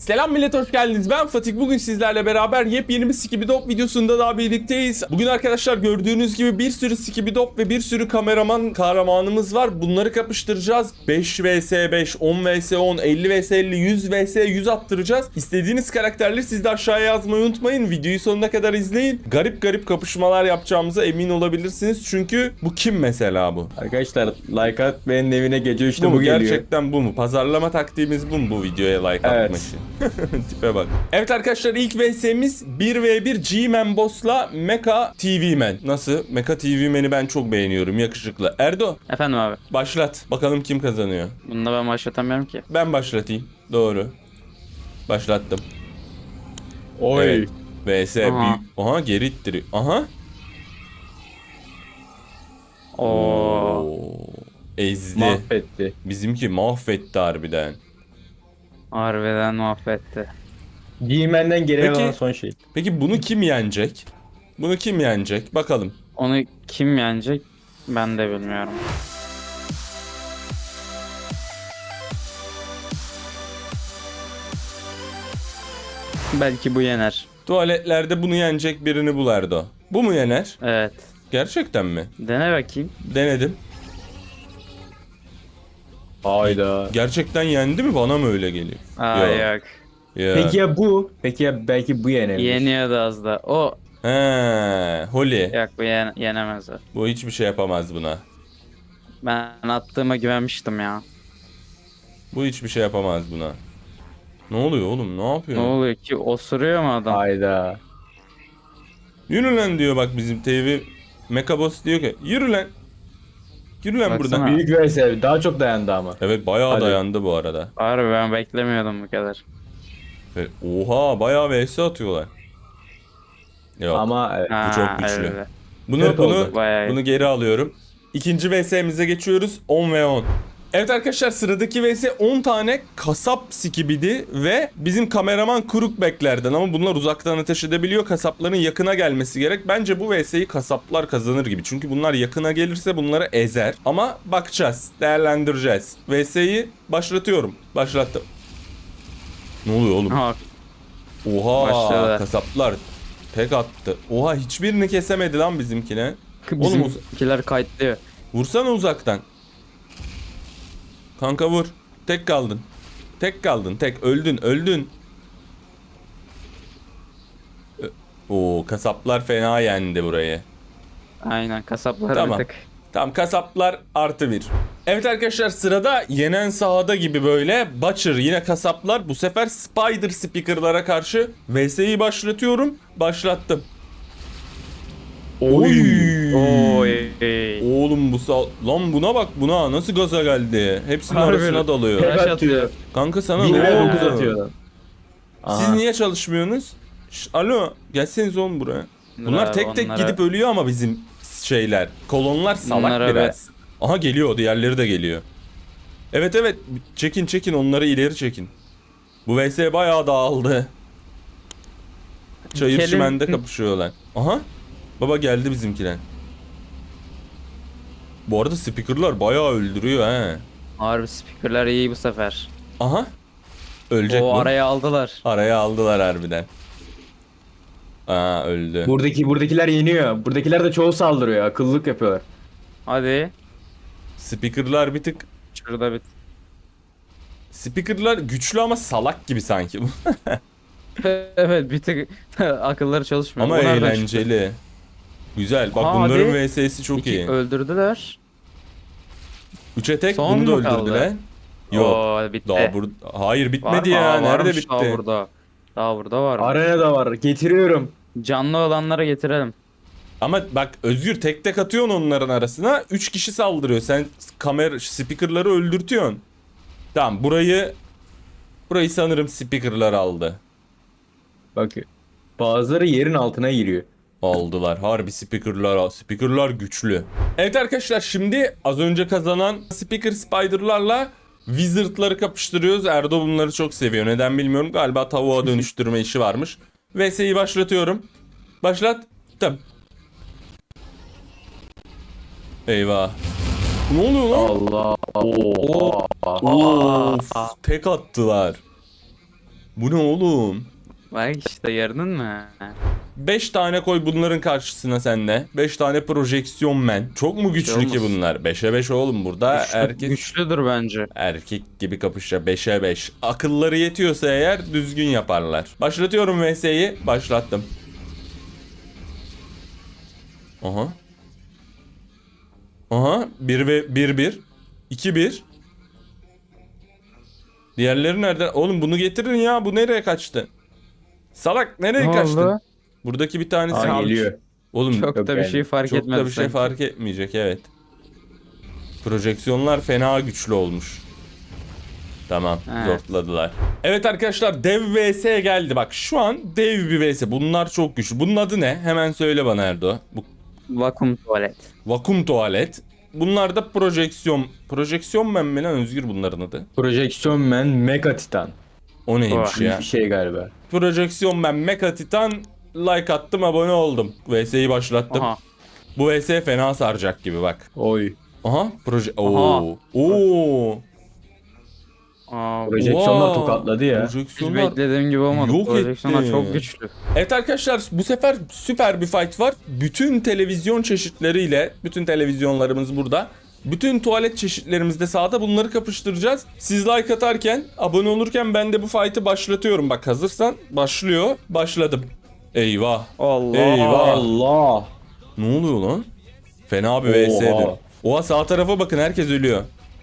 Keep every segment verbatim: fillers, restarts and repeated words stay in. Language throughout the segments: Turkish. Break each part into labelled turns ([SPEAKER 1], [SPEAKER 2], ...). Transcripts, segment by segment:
[SPEAKER 1] Selam millet, hoş geldiniz. Ben Fatih. Bugün sizlerle beraber yepyeni bir Skibidi videosunda daha birlikteyiz. Bugün arkadaşlar gördüğünüz gibi bir sürü Skibidi ve bir sürü kameraman kahramanımız var. Bunları kapıştıracağız. beş vs beş, on vs on, elli vs elli, yüz vs yüz attıracağız. İstediğiniz karakterleri siz de aşağıya yazmayı unutmayın. Videoyu sonuna kadar izleyin. Garip garip kapışmalar yapacağımıza emin olabilirsiniz. Çünkü bu kim mesela bu?
[SPEAKER 2] Arkadaşlar like at, benim evine gece üçte
[SPEAKER 1] Bu
[SPEAKER 2] bu,
[SPEAKER 1] mu?
[SPEAKER 2] geliyor.
[SPEAKER 1] Gerçekten bu mu? Pazarlama taktiğimiz bu mu, bu videoya like
[SPEAKER 2] Evet.
[SPEAKER 1] atmak için? Tipe bak. Evet arkadaşlar, ilk vs'miz bir v bir G-Man Boss'la Mecha T V Man. Nasıl? Mecha T V Man'i ben çok beğeniyorum. Yakışıklı. Erdo,
[SPEAKER 3] Efendim abi.
[SPEAKER 1] başlat. Bakalım kim kazanıyor.
[SPEAKER 3] Bunda ben başlatamıyorum ki.
[SPEAKER 1] Ben başlatayım. Doğru. Başlattım.
[SPEAKER 2] Oy.
[SPEAKER 1] Evet. vs
[SPEAKER 3] Aha.
[SPEAKER 1] büyük. Aha, geri ittiriyor. Aha.
[SPEAKER 3] Oo.
[SPEAKER 1] Oo. Ezdi.
[SPEAKER 2] Mahvetti.
[SPEAKER 1] Bizimki mahvetti harbiden.
[SPEAKER 3] Harbiden mahvetti.
[SPEAKER 2] Giymenden geriye
[SPEAKER 1] Peki.
[SPEAKER 2] kalan son şey.
[SPEAKER 1] Peki bunu kim yenecek? Bunu kim yenecek? Bakalım.
[SPEAKER 3] Onu kim yenecek ben de bilmiyorum. Belki bu yener.
[SPEAKER 1] Tuvaletlerde bunu yenecek birini bul Erdo. Bu mu yener?
[SPEAKER 3] Evet.
[SPEAKER 1] Gerçekten mi?
[SPEAKER 3] Dene bakayım.
[SPEAKER 1] Denedim.
[SPEAKER 2] Hayda.
[SPEAKER 1] Gerçekten yendi mi? Bana mı öyle geliyor?
[SPEAKER 3] Aa
[SPEAKER 1] Yok.
[SPEAKER 3] yok.
[SPEAKER 1] Ya.
[SPEAKER 2] Peki ya bu? Peki ya belki bu yenebilir.
[SPEAKER 3] Yeniyordu az da. O
[SPEAKER 1] He, Holly.
[SPEAKER 3] yok, bu yen yenemez o.
[SPEAKER 1] Bu hiçbir şey yapamaz buna.
[SPEAKER 3] Ben attığıma güvenmiştim ya.
[SPEAKER 1] Bu hiçbir şey yapamaz buna. Ne oluyor oğlum? Ne yapıyor?
[SPEAKER 3] Ne oluyor ki? Osuruyor mu adam?
[SPEAKER 2] Hayda.
[SPEAKER 1] Yürü lan diyor bak bizim T V. Mekabos diyor ki yürü lan. Yürü lan
[SPEAKER 3] Baksana.
[SPEAKER 1] buradan.
[SPEAKER 2] Büyük vs daha çok dayandı ama.
[SPEAKER 1] Evet, bayağı
[SPEAKER 2] Hadi.
[SPEAKER 1] dayandı bu arada.
[SPEAKER 3] Harbi ben beklemiyordum bu kadar.
[SPEAKER 1] Ve- Oha, bayağı vs atıyorlar. Yok.
[SPEAKER 2] Ama evet.
[SPEAKER 3] Ha,
[SPEAKER 1] çok güçlü.
[SPEAKER 3] evet.
[SPEAKER 1] Bunu
[SPEAKER 2] Kırk
[SPEAKER 1] bunu
[SPEAKER 2] oldu.
[SPEAKER 3] Bayağı iyi.
[SPEAKER 1] bunu geri alıyorum. İkinci vs'mize geçiyoruz. on ve on. Evet arkadaşlar, sıradaki vs on tane kasap skibidi ve bizim kameraman Crookback'lerden, ama bunlar uzaktan ateş edebiliyor. Kasapların yakına gelmesi gerek. Bence bu vs'yi kasaplar kazanır gibi. Çünkü bunlar yakına gelirse bunları ezer. Ama bakacağız, değerlendireceğiz. vs'yi başlatıyorum. Başlattım. Ne oluyor oğlum?
[SPEAKER 3] Ha,
[SPEAKER 1] Oha,
[SPEAKER 3] Başladı.
[SPEAKER 1] kasaplar tek attı. Oha, hiçbirini kesemedi lan bizimkine. Oğlum uz-
[SPEAKER 3] bizimkiler kayıtlıyor.
[SPEAKER 1] vursana uzaktan. Kanka vur. Tek kaldın. Tek kaldın. Tek. Öldün. Öldün. Ö- Oo, kasaplar fena yendi burayı.
[SPEAKER 3] Aynen, kasaplar
[SPEAKER 1] Tamam.
[SPEAKER 3] bir tık.
[SPEAKER 1] Tamam, kasaplar artı bir. Evet arkadaşlar, sırada yenen sahada gibi böyle Butcher, yine kasaplar. Bu sefer Spider Speaker'lara karşı vs'yi başlatıyorum. Başlattım. Oy.
[SPEAKER 3] Oy.
[SPEAKER 1] Oğlum bu sağ... Lan buna bak, buna nasıl gaza geldi. Hepsinin
[SPEAKER 3] Harbi.
[SPEAKER 1] arasına dalıyor.
[SPEAKER 3] Flash
[SPEAKER 2] Tek
[SPEAKER 3] atıyor.
[SPEAKER 2] atıyor.
[SPEAKER 1] Kanka sana
[SPEAKER 2] Bir
[SPEAKER 1] ne
[SPEAKER 2] ve
[SPEAKER 1] oldu?
[SPEAKER 2] dokuz atıyor.
[SPEAKER 1] Siz
[SPEAKER 2] Aha.
[SPEAKER 1] niye çalışmıyorsunuz? Şş, alo, gelseniz oğlum buraya. Bunlar
[SPEAKER 3] Abi,
[SPEAKER 1] tek tek
[SPEAKER 3] onlara-
[SPEAKER 1] gidip ölüyor ama bizim şeyler. Kolonlar salak
[SPEAKER 3] Bunlara
[SPEAKER 1] biraz. Aha, geliyor, diğerleri de geliyor. Evet evet, çekin çekin, onları ileri çekin. Bu vs bayağı dağıldı. Çayır
[SPEAKER 3] Kelin-
[SPEAKER 1] çimende kapışıyorlar. Aha, baba geldi bizimkiler. Bu arada speakerlar bayağı öldürüyor he.
[SPEAKER 3] Harbi speakerlar iyi bu sefer.
[SPEAKER 1] Aha, ölecek
[SPEAKER 3] O
[SPEAKER 1] bu.
[SPEAKER 3] araya aldılar.
[SPEAKER 1] Araya aldılar harbiden. Aa, öldü.
[SPEAKER 2] Buradaki buradakiler yeniyor. Buradakiler de çoğu saldırıyor. Akıllılık yapıyorlar.
[SPEAKER 3] Hadi.
[SPEAKER 1] Speakerlar bir tık...
[SPEAKER 3] Şurada bir.
[SPEAKER 1] Speakerlar güçlü ama salak gibi sanki.
[SPEAKER 3] Evet, bir tık akılları çalışmıyor.
[SPEAKER 1] Ama
[SPEAKER 3] O nereden çıktı?
[SPEAKER 1] eğlenceli. Güzel. Bak,
[SPEAKER 3] Aa,
[SPEAKER 1] bunların
[SPEAKER 3] hadi.
[SPEAKER 1] vs'si çok
[SPEAKER 3] İki
[SPEAKER 1] iyi.
[SPEAKER 3] öldürdüler.
[SPEAKER 1] Üçe tek,
[SPEAKER 3] Son
[SPEAKER 1] bunu da
[SPEAKER 3] mu kaldı?
[SPEAKER 1] öldürdüler. Yok.
[SPEAKER 3] Oo, bitti.
[SPEAKER 1] Daha bur Hayır,
[SPEAKER 3] Var
[SPEAKER 1] bitmedi
[SPEAKER 3] mı?
[SPEAKER 1] ya.
[SPEAKER 3] Aa,
[SPEAKER 1] Nerede
[SPEAKER 3] varmış
[SPEAKER 1] bitti?
[SPEAKER 3] Daha burada. Daha burada var.
[SPEAKER 2] Arena da var. Getiriyorum.
[SPEAKER 3] Canlı olanlara getirelim.
[SPEAKER 1] Ama bak Özgür, tek tek atıyorsun onların arasına. Üç kişi saldırıyor. Sen kamera speakerları öldürtüyorsun. Tamam, burayı burayı sanırım speakerlar aldı.
[SPEAKER 2] Bak. Bazıları yerin altına giriyor.
[SPEAKER 1] Aldılar. Harbi speakerlar, speakerlar güçlü. Evet arkadaşlar, şimdi az önce kazanan speaker spiderlarla wizardları kapıştırıyoruz. Erdo bunları çok seviyor. Neden bilmiyorum. Galiba tavuğa dönüştürme işi varmış. vs'yi başlatıyorum. Başlattım. Eyvah. Ne oluyor lan?
[SPEAKER 2] Allah. Oo.
[SPEAKER 1] Of, tek attılar. Bu ne oğlum?
[SPEAKER 3] Bak işte gördün mü?
[SPEAKER 1] beş tane koy bunların karşısına sende. beş tane projeksiyon men. Çok mu güçlü
[SPEAKER 3] şey
[SPEAKER 1] ki
[SPEAKER 3] olmaz.
[SPEAKER 1] bunlar? beşe beş oğlum burada
[SPEAKER 3] Güçlü-
[SPEAKER 1] herkes
[SPEAKER 3] Güçlüdür bence.
[SPEAKER 1] erkek gibi kapışacak. beşe beş. Akılları yetiyorsa eğer düzgün yaparlar. Başlatıyorum V S'yi. Başlattım. Aha. Aha. bir ve bir bir. iki bir. Diğerleri nerede? Oğlum bunu getirin ya. Bu nereye kaçtı? Salak nereye
[SPEAKER 3] Ne
[SPEAKER 1] kaçtın?
[SPEAKER 3] oldu?
[SPEAKER 1] Buradaki bir tanesi
[SPEAKER 2] Aa,
[SPEAKER 1] kalmış.
[SPEAKER 2] geliyor.
[SPEAKER 1] Oğlum
[SPEAKER 3] Çok
[SPEAKER 2] Yok
[SPEAKER 3] da bir
[SPEAKER 2] yani.
[SPEAKER 3] şey fark
[SPEAKER 1] çok
[SPEAKER 3] etmez
[SPEAKER 1] da bir şey
[SPEAKER 3] sanki.
[SPEAKER 1] fark etmeyecek, evet. Projeksiyonlar fena güçlü olmuş. Tamam,
[SPEAKER 3] Evet.
[SPEAKER 1] zortladılar. Evet arkadaşlar, dev V S geldi. Bak şu an dev bir V S. Bunlar çok güçlü. Bunun adı ne? Hemen söyle bana Erdo. Bu
[SPEAKER 3] Vakum tuvalet.
[SPEAKER 1] vakum tuvalet. Bunlar da projeksiyon. Projeksiyon ben mi lan Özgür bunların adı?
[SPEAKER 2] Projeksiyon men Mega Titan.
[SPEAKER 1] O neymiş
[SPEAKER 3] Oh,
[SPEAKER 1] ya?
[SPEAKER 2] Bir şey galiba.
[SPEAKER 1] Projeksiyon ben Mecha Titan, like attım, abone oldum. V S'yi başlattım.
[SPEAKER 3] Aha.
[SPEAKER 1] Bu V S fena saracak gibi bak.
[SPEAKER 2] Oy.
[SPEAKER 1] Aha, proje. Oo. Oo.
[SPEAKER 3] Aa,
[SPEAKER 2] Projeksiyonlar
[SPEAKER 1] Wow.
[SPEAKER 2] tokatladı ya.
[SPEAKER 3] hiç
[SPEAKER 1] Projeksiyonlar.
[SPEAKER 3] beklediğim gibi olmadı.
[SPEAKER 1] yok
[SPEAKER 3] Projeksiyonlar
[SPEAKER 1] etti.
[SPEAKER 3] çok güçlü.
[SPEAKER 1] Evet arkadaşlar, bu sefer süper bir fight var. Bütün televizyon çeşitleriyle, bütün televizyonlarımız burada. Bütün tuvalet çeşitlerimiz de sağda, bunları kapıştıracağız. Siz like atarken, abone olurken ben de bu fight'ı başlatıyorum. Bak hazırsan başlıyor. Başladım. Eyvah.
[SPEAKER 3] Allah.
[SPEAKER 1] Eyvah.
[SPEAKER 2] Allah.
[SPEAKER 1] Ne oluyor lan? Fena bir V S'dir.
[SPEAKER 2] Oha.
[SPEAKER 1] Oha, sağ tarafa bakın, herkes ölüyor.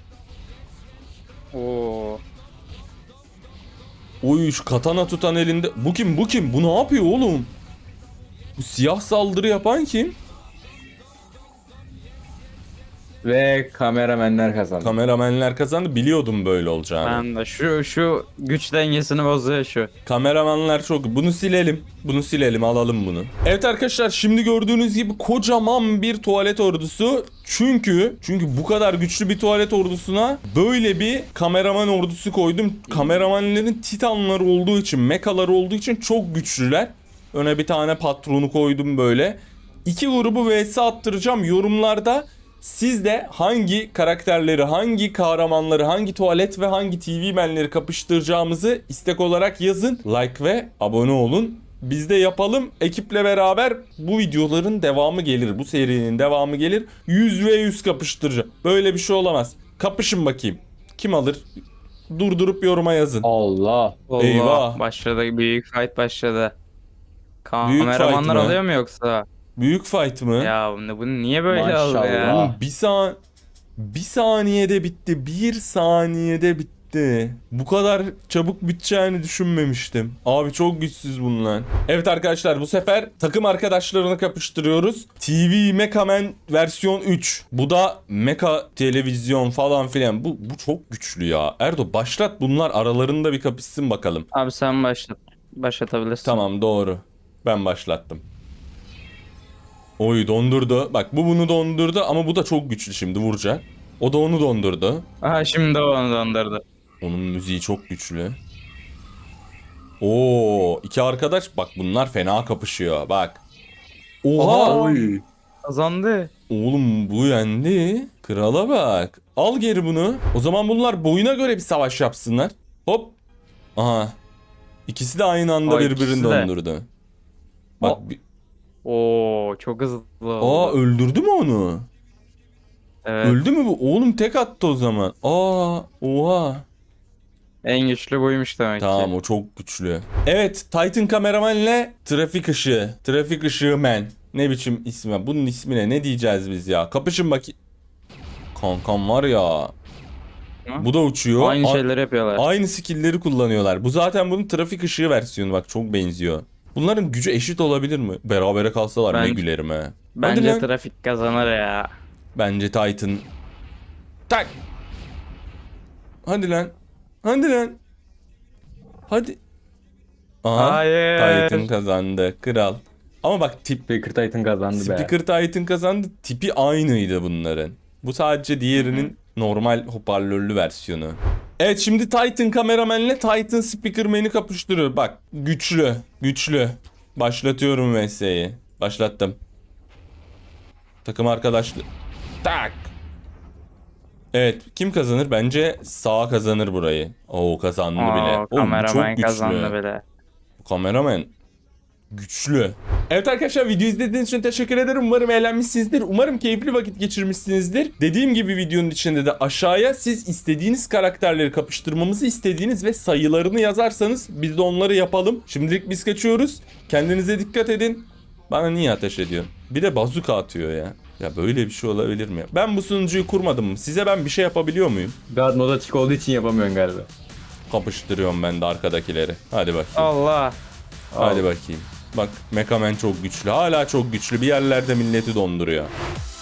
[SPEAKER 3] Oo.
[SPEAKER 1] Oy, şu katana tutan elinde. Bu kim bu kim? Bu ne yapıyor oğlum? Bu siyah saldırı yapan kim?
[SPEAKER 2] Ve kameramenler kazandı.
[SPEAKER 1] Kameramenler kazandı. Biliyordum böyle olacağını.
[SPEAKER 3] Ben de şu şu güç dengesini bozuyor şu.
[SPEAKER 1] Kameramanlar çok. Bunu silelim. Bunu silelim. Alalım bunu. Evet arkadaşlar, şimdi gördüğünüz gibi kocaman bir tuvalet ordusu. Çünkü çünkü bu kadar güçlü bir tuvalet ordusuna böyle bir kameraman ordusu koydum. Kameramanların titanları olduğu için, mekaları olduğu için çok güçlüler. Öne bir tane patronu koydum böyle. İki grubu V S attıracağım yorumlarda. Siz de hangi karakterleri, hangi kahramanları, hangi tuvalet ve hangi T V menleri kapıştıracağımızı istek olarak yazın. Like ve abone olun. Biz de yapalım. Ekiple beraber bu videoların devamı gelir. Bu serinin devamı gelir. yüz ve yüz kapıştıracağım. Böyle bir şey olamaz. Kapışın bakayım. Kim alır? Durdurup yoruma yazın.
[SPEAKER 2] Allah.
[SPEAKER 3] Allah.
[SPEAKER 1] Eyvah.
[SPEAKER 3] Başladı, büyük fight başladı.
[SPEAKER 1] Büyük
[SPEAKER 3] Kameramanlar
[SPEAKER 1] fight mı?
[SPEAKER 3] alıyor mu yoksa?
[SPEAKER 1] Büyük fight mı?
[SPEAKER 3] Ya bunu, bunu niye böyle aldı
[SPEAKER 2] Maşallah.
[SPEAKER 3] ya?
[SPEAKER 1] Oğlum bir san bir saniyede bitti. Bir saniyede bitti. Bu kadar çabuk biteceğini düşünmemiştim. Abi çok güçsüz bunlar. Evet arkadaşlar, bu sefer takım arkadaşlarını kapıştırıyoruz. T V Mecha Man versiyon üç. Bu da Mecha televizyon falan filan. Bu, bu çok güçlü ya. Erdo başlat, bunlar aralarında bir kapışsın bakalım.
[SPEAKER 3] Abi sen başlat. Başlatabilirsin.
[SPEAKER 1] Tamam, doğru. Ben başlattım. Oy, dondurdu. Bak bu bunu dondurdu ama bu da çok güçlü, şimdi vuracak. O da onu dondurdu.
[SPEAKER 3] Aha şimdi o onu dondurdu.
[SPEAKER 1] Onun müziği çok güçlü. Oo, iki arkadaş bak, bunlar fena kapışıyor bak. Oha!
[SPEAKER 3] Aha!
[SPEAKER 2] Oy.
[SPEAKER 3] Kazandı.
[SPEAKER 1] Oğlum bu yendi. Krala bak. Al geri bunu. O zaman bunlar boyuna göre bir savaş yapsınlar. Hop. Aha. İkisi de aynı anda
[SPEAKER 3] Aa,
[SPEAKER 1] birbirini
[SPEAKER 3] ikisi de.
[SPEAKER 1] dondurdu. Bak.
[SPEAKER 3] Aa.
[SPEAKER 1] bir-
[SPEAKER 3] Oo çok hızlı
[SPEAKER 1] Aa,
[SPEAKER 3] oldu.
[SPEAKER 1] öldürdü mü onu?
[SPEAKER 3] Evet.
[SPEAKER 1] Öldü mü bu? Oğlum tek attı o zaman. Aa, oha.
[SPEAKER 3] En güçlü buymuş demek
[SPEAKER 1] Tamam,
[SPEAKER 3] ki.
[SPEAKER 1] o çok güçlü. Evet, Titan kameramanla trafik ışığı. Trafik ışığı man. Ne biçim ismi? Bunun ismine ne diyeceğiz biz ya? Kapışın bakayım. Kankam var ya.
[SPEAKER 3] Hı?
[SPEAKER 1] Bu da uçuyor.
[SPEAKER 3] Aynı
[SPEAKER 1] A-
[SPEAKER 3] şeyleri yapıyorlar.
[SPEAKER 1] Aynı skill'leri kullanıyorlar. Bu zaten bunun trafik ışığı versiyonu, bak çok benziyor. Bunların gücü eşit olabilir mi? Berabere kalsalar ne
[SPEAKER 3] Ben-
[SPEAKER 1] gülerim he. Hadi
[SPEAKER 3] Bence
[SPEAKER 1] lan.
[SPEAKER 3] trafik kazanır ya.
[SPEAKER 1] Bence Titan. Tak. Hadi lan. Hadi lan. Hadi. Aha.
[SPEAKER 3] Hayır.
[SPEAKER 1] Titan kazandı. Kral. Ama bak tip
[SPEAKER 2] Speaker Titan kazandı be.
[SPEAKER 1] Speaker Titan kazandı. Tipi aynıydı bunların. Bu sadece diğerinin normal hoparlörlü versiyonu. Evet, şimdi Titan kameramanla Titan Speakerman'i kapıştırıyor. Bak güçlü. Güçlü. Başlatıyorum V S'yi. Başlattım. Takım arkadaşlı. Tak. Evet, kim kazanır? Bence sağ kazanır burayı. Oo, kazandı bile.
[SPEAKER 3] Oo,
[SPEAKER 1] Oğlum, bu
[SPEAKER 3] kameraman
[SPEAKER 1] çok güçlü.
[SPEAKER 3] kazandı bile.
[SPEAKER 1] Bu kameraman güçlü. Evet arkadaşlar, video izlediğiniz için teşekkür ederim. Umarım eğlenmişsinizdir. Umarım keyifli vakit geçirmişsinizdir. Dediğim gibi videonun içinde de aşağıya siz istediğiniz karakterleri kapıştırmamızı istediğiniz ve sayılarını yazarsanız biz de onları yapalım. Şimdilik biz kaçıyoruz. Kendinize dikkat edin. Bana niye ateş ediyorsun? Bir de bazuka atıyor ya. Ya böyle bir şey olabilir mi? Ben bu sunucuyu kurmadım mı? Size ben bir şey yapabiliyor muyum?
[SPEAKER 2] God mod açık olduğu için yapamıyorsun galiba.
[SPEAKER 1] Kapıştırıyorum ben de arkadakileri. Hadi bakayım.
[SPEAKER 3] Allah.
[SPEAKER 1] Hadi bakayım. Bak, Mekamen çok güçlü. Hala çok güçlü. Bir yerlerde milleti donduruyor.